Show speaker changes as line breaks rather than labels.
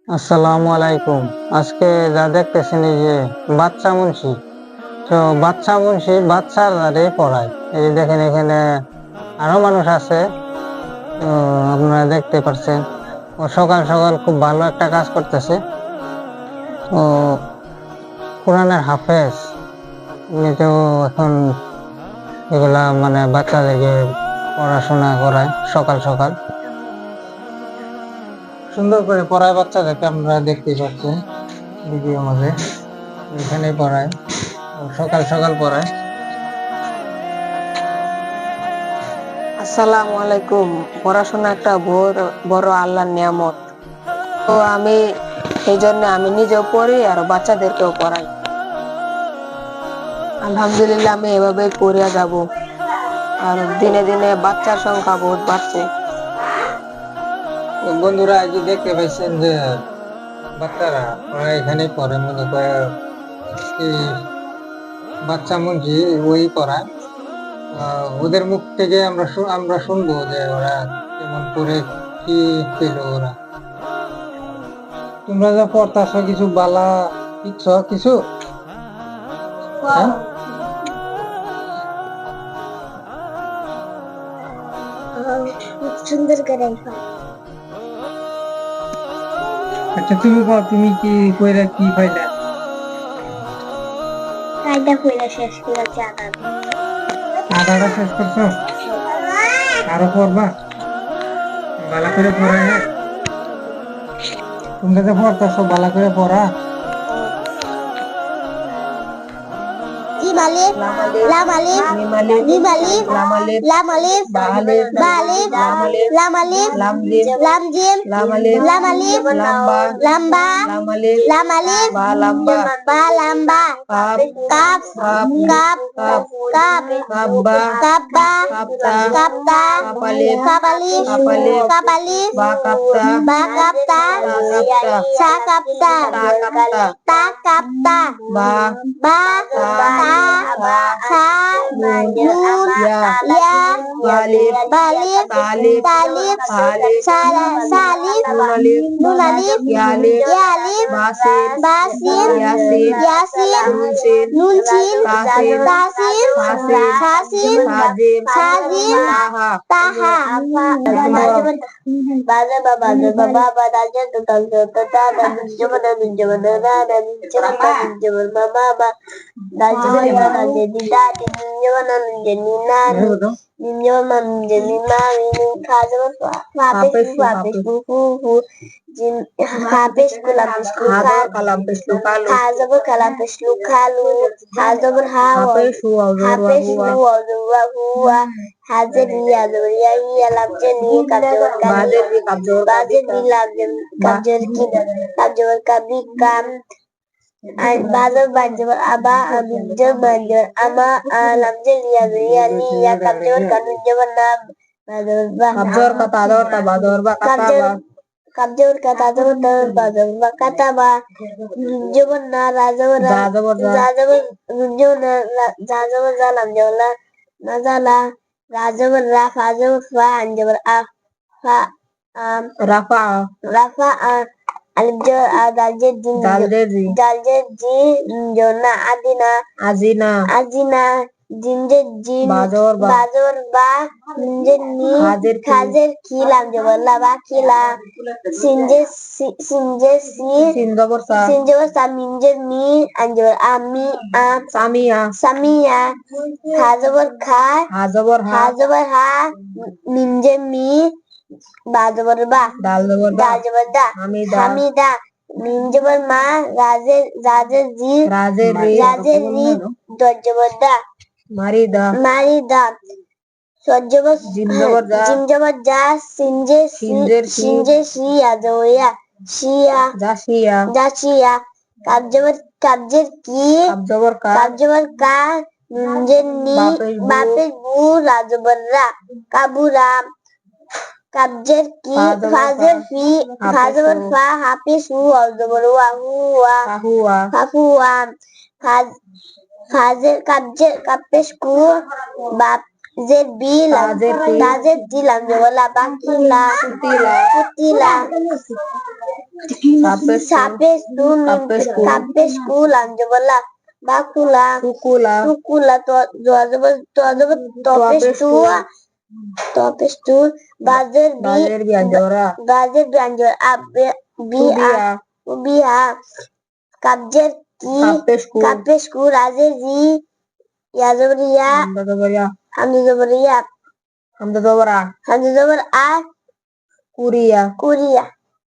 আসসালামু আলাইকুম। আজকে যা দেখতেছেন এই যে বাচ্চা মুন্সি, তো বাচ্চা মুন্সি বাচ্চারে পড়ায়। এই যে দেখেন এখানে আরো মানুষ আছে, তো আপনারা দেখতে পাচ্ছেন ও সকাল সকাল খুব ভালো একটা কাজ করতেছে। ও কোরআনের হাফেজ, উনি তো এখন এগুলা মানে বাচ্চাদেরকে পড়াশোনা করায় সকাল সকাল, সুন্দর করে পড়ায় বাচ্চাদেরকে। আপনারা দেখতেই পাচ্ছেন ভিডিও মাঝে এখানে পড়ায়, সকাল সকাল পড়ায়।
আসসালামু আলাইকুম। পড়াশোনা একটা বড় আল্লাহর নিয়ামত। তো এই জন্য আমি নিজেও পড়ি আর বাচ্চাদেরকেও পড়াই। আলহামদুলিল্লাহ, আমি এভাবে পড়িয়া যাব। আর দিনে দিনে বাচ্চার সংখ্যা বহুত বাড়ছে।
তো বন্ধুরা, এই যে দেখতে পাইছেন যে বাচ্চারা ওরা এখানে পড়ে, মনে করে এই বাচ্চা মঞ্জি ওই পড়ায়। ওদের মুখ থেকে আমরা শুনবো যে ওরা কেমন করে, কি পেলো ওরা। তোমরা যা পড়তাছো কিছু বালা শিখছ কিছু? হ্যাঁ?
সুন্দর করে
আচ্ছা, তুমি কও, তুমি কি কইরা কি পাইলা?
কায়দা কইরা শেষ করেছে
আধাটা শেষ করছো? আরো পড়বা? ভালো করে পড়া, হ্যাঁ? তোমরা যে পড়তাছো ভালো করে পড়া।
Alif, lam alif, mim alif, lam alif, ba alif, lam alif, lam jim, lam alif, lamba, lam alif, ba lamba, kaf, kabba, kapta, kap alif, ba kapta, sa kapta, ta kapta, ba nun, ya, balif, talib, salif, nun alif, yalif, basin, yasin, nun sin, tasin, sasin, sazim, taha. Baza baba baba bada jatuh tangga tata dan jaman mama ba dan jaman jadi dadi jaman jadi nani jaman jadi mami kaza habis buku jin habis kalam peslu kaza kalam peslu kalu haza berhawa habis huwa Hazir ya lam jeni kabjor kabi kam bazar banjor aba abjor banjor ama lam jeni ya ni ya kabjor kanu jaman nam kabjor kata ador ta bazar ba kata ba kabjor kata ador ta bazar ba kata ba jaman na razor zalam jola nazala Rajabar Anjabar Rafa Daljer Ji Jona Azina Jinje Jin Bajor Ba Jinje Ni Khazer Kilam Jabarla Ba Kila Sinje Si Sinjabar Sa Minje Mi Anjabar Ami Samia Hazabar Kha Hazabar Ha Minje Mi Bajabar Ba Daljabar Da Hamida Minjabar Ma Razer Ri Dojjabar Da Marida Sojjabar Jimjabar Ja Sinje Si Azoya Shia Kabjer Ki Kabjabar Ka Minje Ni Bapes Bu Rajabar Ra Kabura Kabjer Ki Fazer Fi Fazer Fa Hafiz Hu Alzabar Wa Hafuwa Fazer Kabjer Kapes Ku Zed bilang, Zed bilang wala bakila, putila, sapes kulang wala bakula, sukula topes tu, bazer bianjor biha, kabjer ki, kapes ku, razer ji, yazoriya, hamza zobar a, kuriya.